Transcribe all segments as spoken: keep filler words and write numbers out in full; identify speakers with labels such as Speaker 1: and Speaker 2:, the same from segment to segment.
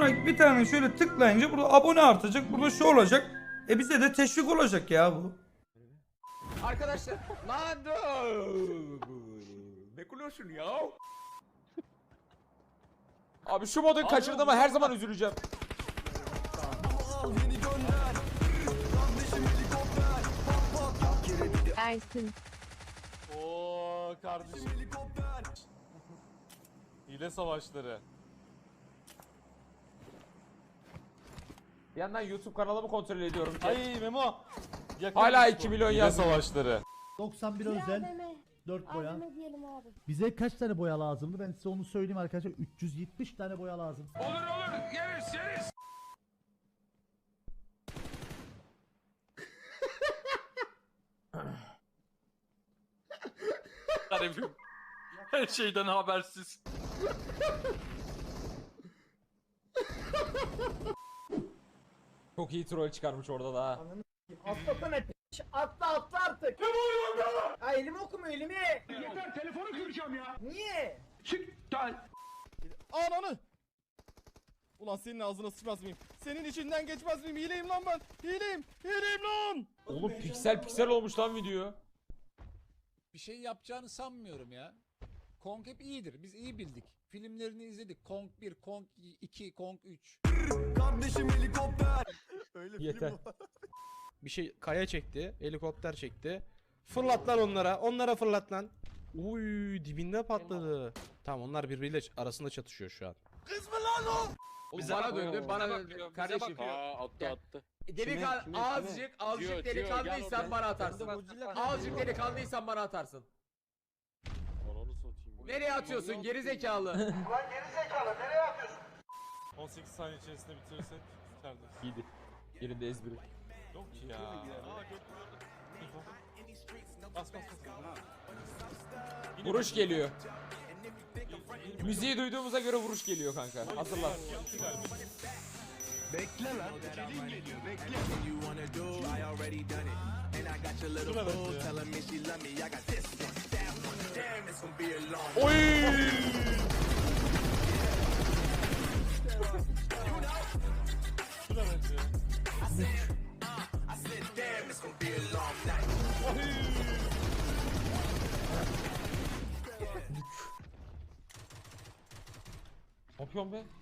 Speaker 1: Şuna bir tane şöyle tıklayınca burada abone artacak. Burada şu olacak. E bize de teşvik olacak ya bu.
Speaker 2: Arkadaşlar lan ne kulüyorsun ya? Abi şu modu kaçırdığıma her zaman üzüleceğim.
Speaker 3: Ersin.
Speaker 4: Oo kardeşim. Hile savaşları.
Speaker 2: Bir yandan YouTube kanalımı kontrol ediyorum.
Speaker 4: Ay Memo. Yakın
Speaker 2: Hala
Speaker 4: bu.
Speaker 2: iki milyon
Speaker 4: Hile
Speaker 2: yazmış.
Speaker 4: savaşları.
Speaker 5: doksan bir özel
Speaker 3: A V M.
Speaker 5: dört boya.
Speaker 3: A V M diyelim abi.
Speaker 5: Bize kaç tane boya lazımdı? Ben size onu söyleyeyim arkadaşlar. üç yüz yetmiş tane boya lazım.
Speaker 6: Garibim. Her şeyden habersiz.
Speaker 2: Çok iyi troll çıkarmış orada da ha.
Speaker 7: Atlasana p***. Atla atla artık. Ne oluyor orada? Ha elimi okuma elimi. Yeter telefonu kıracağım ya. Niye?
Speaker 4: Ananı. Ulan senin ağzına sıçmaz mıyım? Senin içinden geçmez miyim? Hileyim lan ben. Hileyim. Hileyim lan.
Speaker 2: Oğlum piksel piksel olmuş lan video.
Speaker 8: Bir şey yapacağını sanmıyorum ya. Kong hep iyidir. Biz iyi bildik. Filmlerini izledik. Kong bir, Kong iki, Kong üç.
Speaker 2: Yeter.
Speaker 9: Bir şey kaya çekti, helikopter çekti. Fırlat lan onlara, onlara fırlat lan. Uy dibinde patladı. Tamam onlar birbiriyle arasında çatışıyor şu an.
Speaker 2: Bize bana döndü, bana döndü. Kardeşim.
Speaker 6: attı attı.
Speaker 2: Delikan azıcık, azıcık delikanlıysan bana atarsın. Azıcık delikanlıysan bana atarsın.
Speaker 6: Ananı satayım.
Speaker 2: Nereye atıyorsun geri zekalı?
Speaker 4: on sekiz saniye içerisinde bitirirsek içerideyiz.
Speaker 2: İyiydi. Yerinde ezbiri.
Speaker 4: Yok ki ya. Bas bas bas.
Speaker 2: Vuruş geliyor. Müziği duyduğumuza göre vuruş geliyor kanka. Hazırlan. Oy!
Speaker 4: Şuna benziyor.
Speaker 2: Ne yapıyorsun be?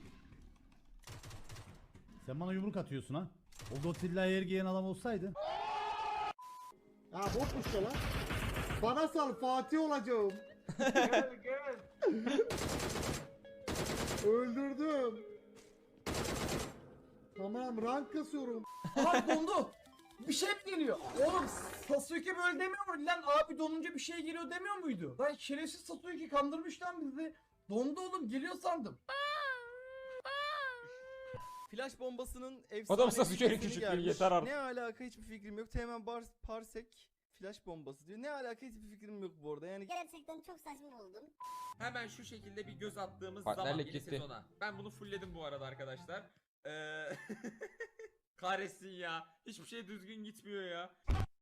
Speaker 5: Sen bana yumruk atıyorsun ha. O Godzilla'ya yer giyen adam olsaydı.
Speaker 7: Ha botmuş ya lan. Bana sal Fatih olacağım. Gel gel. Öldürdüm. Tamam rank kasıyorum. Aha dondu. Bir şey geliyor. Oğlum Sasuke böyle demiyor mu? Lan abi donunca bir şey geliyor demiyor muydu? Lan şerefsiz Sasuke kandırmış lan bizi. Dondu oğlum geliyor sandım.
Speaker 10: Flash bombasının efsane
Speaker 2: Adam Sasuke'nin
Speaker 10: bilgisini
Speaker 2: küçüklüğü
Speaker 10: gelmiş.
Speaker 2: yeter artık.
Speaker 10: Ne alaka hiçbir fikrim yok. Teğmen bar parsek flash bombası diyor. Ne alaka hiçbir fikrim yok bu arada. Yani
Speaker 3: Gerçekten çok saçma buldum.
Speaker 2: Hemen şu şekilde bir göz attığımız
Speaker 9: Partnerlik
Speaker 2: zaman yeni
Speaker 9: gitti.
Speaker 2: sezona. Ben bunu fullledim bu arada arkadaşlar. Ee... Kahretsin ya. Hiçbir şey düzgün gitmiyor ya.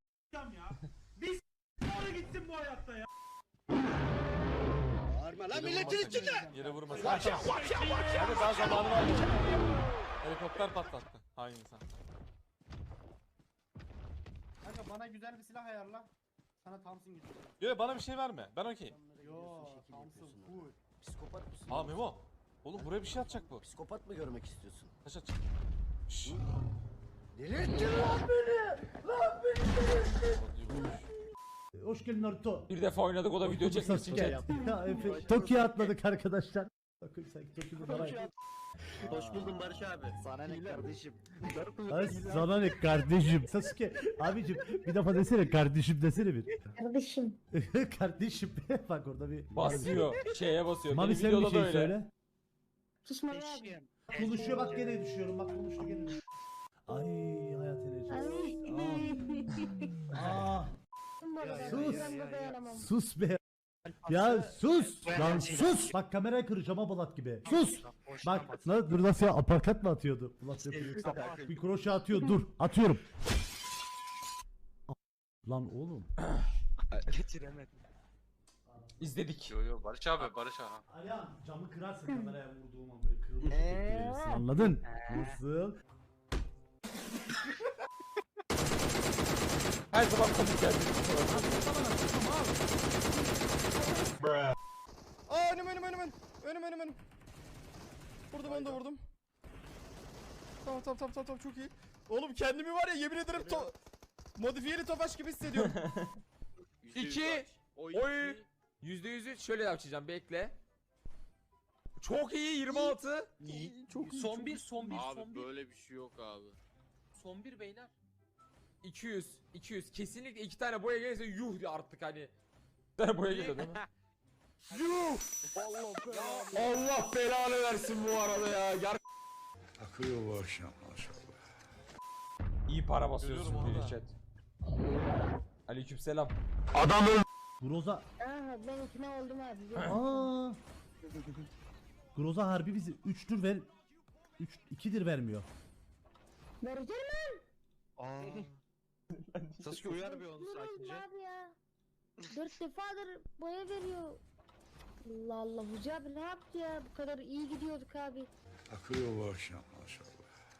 Speaker 4: Lan milletin içinde. Yere vurmasın. Hadi daha zamanı var. Helikopter patlattı. Hain insan.
Speaker 7: Kanka bana güzel bir silah ayarla. Sana Thompson gidiyor.
Speaker 4: Yo bana bir şey verme. Ben okey.
Speaker 7: Yo Thompson cool.
Speaker 10: psikopat mısın?
Speaker 4: Aa Memo. Oğlum buraya bir şey atacak bu.
Speaker 10: Psikopat mı görmek istiyorsun?
Speaker 4: Taş atacak. Şşş.
Speaker 7: Delirttin lan beni. Lan beni.
Speaker 5: Hoş geldin Naruto.
Speaker 2: Bir defa oynadık o da video çekmek için.
Speaker 5: Sasuke yaptı. Ya Efe. Tokyo'ya atladık arkadaşlar. Bakın sen Tokyo'da bana.
Speaker 10: Hoş buldum Barış abi. Sana ne kardeşim?
Speaker 5: Ay sana ne kardeşim. Sasuke abicim bir defa desene kardeşim desene bir.
Speaker 3: Kardeşim.
Speaker 5: Kardeşim bak orada bir.
Speaker 2: Basıyor. Şeye basıyor.
Speaker 5: Mami
Speaker 2: Benim
Speaker 5: sen bir
Speaker 2: videoda da
Speaker 5: şey
Speaker 2: öyle.
Speaker 5: söyle.
Speaker 3: Susma abi.
Speaker 5: Konuşuyor bak gene düşüyorum bak konuştu gene düşüyor. Ay hayat enerjisi. Aa. Sus. Sus be. Ya sus lan sus. Bak kamerayı kıracağım ha Bulat gibi. Sus. Bak na, dur nasıl ya aparkat mı atıyordu? Bulat yapıyor. Bir kroşe atıyor dur atıyorum. Lan oğlum.
Speaker 10: Geçiremedim.
Speaker 2: İzledik.
Speaker 6: Yo yo Barış abi Barış abi.
Speaker 5: Ayağım camı kırarsın kameraya vurduğum an böyle kırılmış şekilde anladın? Nasıl?
Speaker 9: Her zaman komik geldi.
Speaker 4: Aa önüm önüm önüm önüm. Önüm önüm önüm. Vurdum onu da vurdum. Tamam tamam tamam tamam çok iyi. Oğlum kendimi var ya yemin ederim to modifiyeli Tofaş gibi hissediyorum.
Speaker 2: İki. Oy. Yüzde yüzü şöyle yapacağım bekle. Çok iyi yirmi altı.
Speaker 4: Çok iyi.
Speaker 6: Son bir, son bir, son bir. Böyle bir şey yok abi. Son bir beyler.
Speaker 2: iki yüz. iki yüz. Kesinlikle iki tane boya gelirse yuh diye artık hani. Bir tane boya geliyor değil mi? Yuh! Allah belanı versin bu arada ya. Ger
Speaker 11: Akıyor bu akşam maşallah.
Speaker 2: İyi para basıyorsun
Speaker 6: Görüyorum
Speaker 2: bir
Speaker 6: orada.
Speaker 2: chat. Aleykümselam.
Speaker 5: Groza.
Speaker 3: Aha ben ikna oldum abi.
Speaker 5: Aa. Groza harbi bizi üçtür ver. üç ikidir vermiyor.
Speaker 3: Vereceğim lan.
Speaker 6: Sasuke uyar bir onu
Speaker 3: Durun
Speaker 6: sakince.
Speaker 3: abi ya. Dört defadır boya veriyor. Allah Allah Hoca abi ne yaptı ya? Bu kadar iyi gidiyorduk abi.
Speaker 11: Akıyor bu akşam maşallah.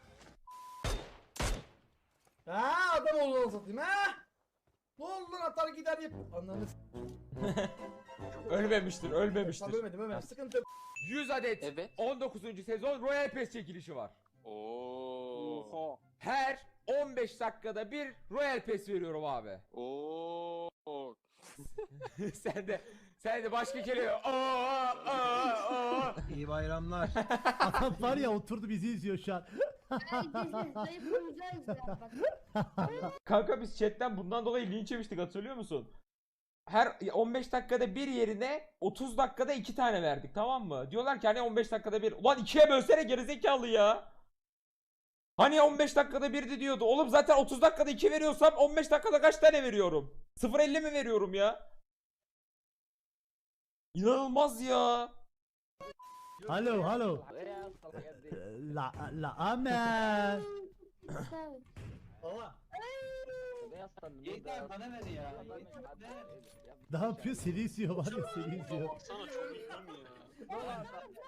Speaker 7: Ha adam olduğunu satayım ha. Ne oldu lan atar gider yap. Anladın.
Speaker 2: Ölmemiştir, ölmemiştir.
Speaker 7: Tabii ölmedim ölmedim sıkıntı yok.
Speaker 2: yüz adet
Speaker 6: Evet.
Speaker 2: on dokuzuncu sezon Royal Pass çekilişi var.
Speaker 6: Oo.
Speaker 2: Her on beş dakikada bir Royal Pass veriyorum abi.
Speaker 6: Oo.
Speaker 2: sen de sen de başka kelime. Aa, aa, aa.
Speaker 5: İyi bayramlar. Adam var ya oturdu bizi izliyor şu an.
Speaker 3: Zayıflamayacağız ya bak.
Speaker 2: Kanka biz chatten bundan dolayı linç yemiştik hatırlıyor musun? Her on beş dakikada bir yerine otuz dakikada iki tane verdik tamam mı? Diyorlar ki hani on beş dakikada bir. Ulan ikiye bölsene gerizekalı ya. Hani on beş dakikada birdi diyordu. Oğlum zaten otuz dakikada iki veriyorsam on beş dakikada kaç tane veriyorum? sıfır virgül elli mi veriyorum ya? İnanılmaz ya.
Speaker 5: Alo alo. La la amen.
Speaker 7: Baba.
Speaker 6: Yeter bana ver ya.
Speaker 5: Ne yapıyor? Seni izliyor var ya seni izliyor.
Speaker 6: Baksana çok iyi mi ya?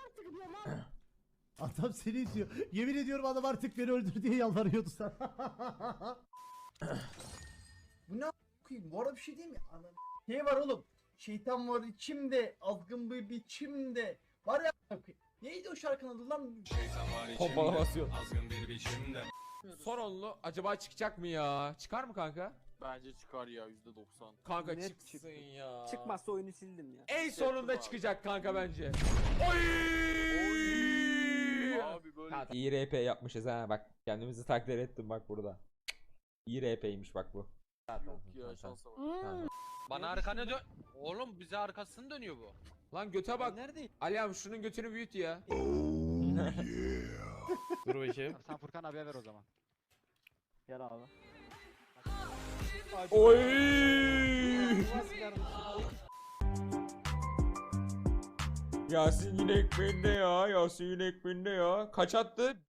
Speaker 5: Adam seni izliyor. Yemin ediyorum adam artık beni öldür diye yalvarıyordu sana.
Speaker 7: Bu ne a**ayım? Bu arada bir şey değil mi? Anam. Şey var oğlum. Şeytan var içimde. Azgın bir biçimde. Var ya a**ayım. Neydi o şarkının adı lan?
Speaker 2: Pompala basıyor. Son onlu acaba çıkacak mı ya? Çıkar mı kanka?
Speaker 6: Bence çıkar ya yüzde doksan.
Speaker 2: Kanka
Speaker 10: Net
Speaker 2: çıksın
Speaker 10: çıktı.
Speaker 2: ya.
Speaker 10: Çıkmazsa oyunu sildim ya.
Speaker 2: En sonunda
Speaker 6: abi.
Speaker 2: çıkacak kanka bence. Oy!
Speaker 6: Abi böyle
Speaker 2: Ha, İyi R P yapmışız ha bak kendimizi takdir ettim bak burada. İyi R P'ymiş bak bu.
Speaker 6: yok ya şansa bak.
Speaker 3: Hmm.
Speaker 6: Bana arkanı dön. Oğlum bize arkasını dönüyor bu.
Speaker 2: Lan göte bak.
Speaker 10: Neredeyim?
Speaker 2: Ali abi şunun götünü büyüt ya.
Speaker 9: Dur bakayım.
Speaker 10: Sen Furkan abiye ver o zaman. Gel abi.
Speaker 2: Oy! Yasin yine ekmeğinde ya. Yasin yine ekmeğinde ya. Kaç attı?